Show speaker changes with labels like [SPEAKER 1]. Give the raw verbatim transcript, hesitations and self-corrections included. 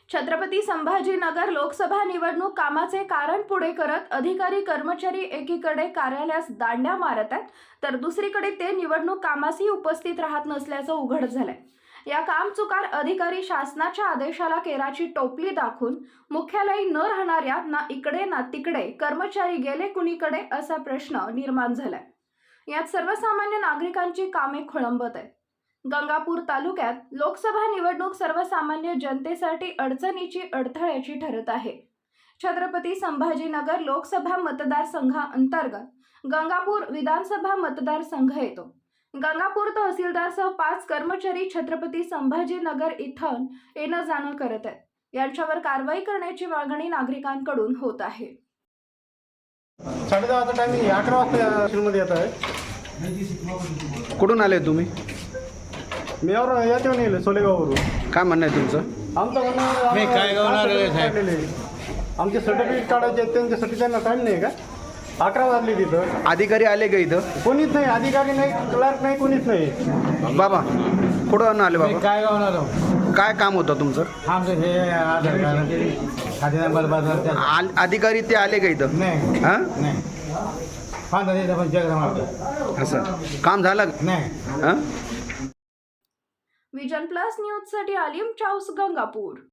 [SPEAKER 1] छत्रपती संभाजीनगर लोकसभा निवडणूक कामाचे कारण पुढे करत अधिकारी कर्मचारी एकीकडे कार्यालयास दांड्या मारत आहेत, तर दुसरीकडे ते निवडणूक कामासही उपस्थित राहत नसल्याचं उघड झालंय। या कामचुकार अधिकारी शासनाच्या आदेशाला केराची टोपली दाखवून मुख्यालयी न राहणाऱ्या ना इकडे ना तिकडे कर्मचारी गेले कुणीकडे असा प्रश्न निर्माण झालाय। यात सर्वसामान्य नागरिकांची कामे खोळंबत आहेत। गंगापूर तालुक्यात लोकसभा निवडणूक सर्वसामान्य जनतेसाठी अडचणीची अडथळ्याची ठरत आहे। छत्रपती संभाजीनगर लोकसभा मतदारसंघाअंतर्गत गंगापूर विधानसभा मतदारसंघ येतो। गंगापूर तहसीलदारसह पाच कर्मचारी छत्रपती संभाजीनगर इथं येणं जाणं करत आहेत। यांच्यावर कारवाई करण्याची मागणी नागरिकांकडून होत आहे।
[SPEAKER 2] साढ़े दहाचा टायमिंग अकरा वाजता स्टेशनमध्ये येत आहे।
[SPEAKER 3] कुठून आले तुम्ही?
[SPEAKER 2] मी और याच्यावर येईल सोलेगाववरून।
[SPEAKER 3] काय म्हणणं आहे तुमचं?
[SPEAKER 2] आमचं म्हणणं
[SPEAKER 4] मी काय गावणार आहे साहेब?
[SPEAKER 2] आमचे सर्टिफिकेट काढायचे आहेत, त्यांच्यासाठी त्यांना टाईम नाही का? अकरा वाजले तिथं।
[SPEAKER 3] अधिकारी आले का इथं?
[SPEAKER 2] कोणीच नाही, अधिकारी नाही, क्लर्क नाही, कोणीच नाही।
[SPEAKER 3] बाबा कुठून आले
[SPEAKER 4] मी
[SPEAKER 3] बाबा?
[SPEAKER 4] काय गावणार आहो?
[SPEAKER 3] काय काम होतं तुमचं?
[SPEAKER 4] आमचं हे आधार कार्ड खाते नंबर बदल
[SPEAKER 3] आल- अधिकारी ते आले का इथं?
[SPEAKER 4] नाही
[SPEAKER 3] हां
[SPEAKER 4] नाही पाच हजार पण चेक मारतो
[SPEAKER 3] असं काम झालं का?
[SPEAKER 4] नाही।
[SPEAKER 3] हां
[SPEAKER 1] विजन प्लस न्यूज साठी आलिम चाऊस गंगापूर।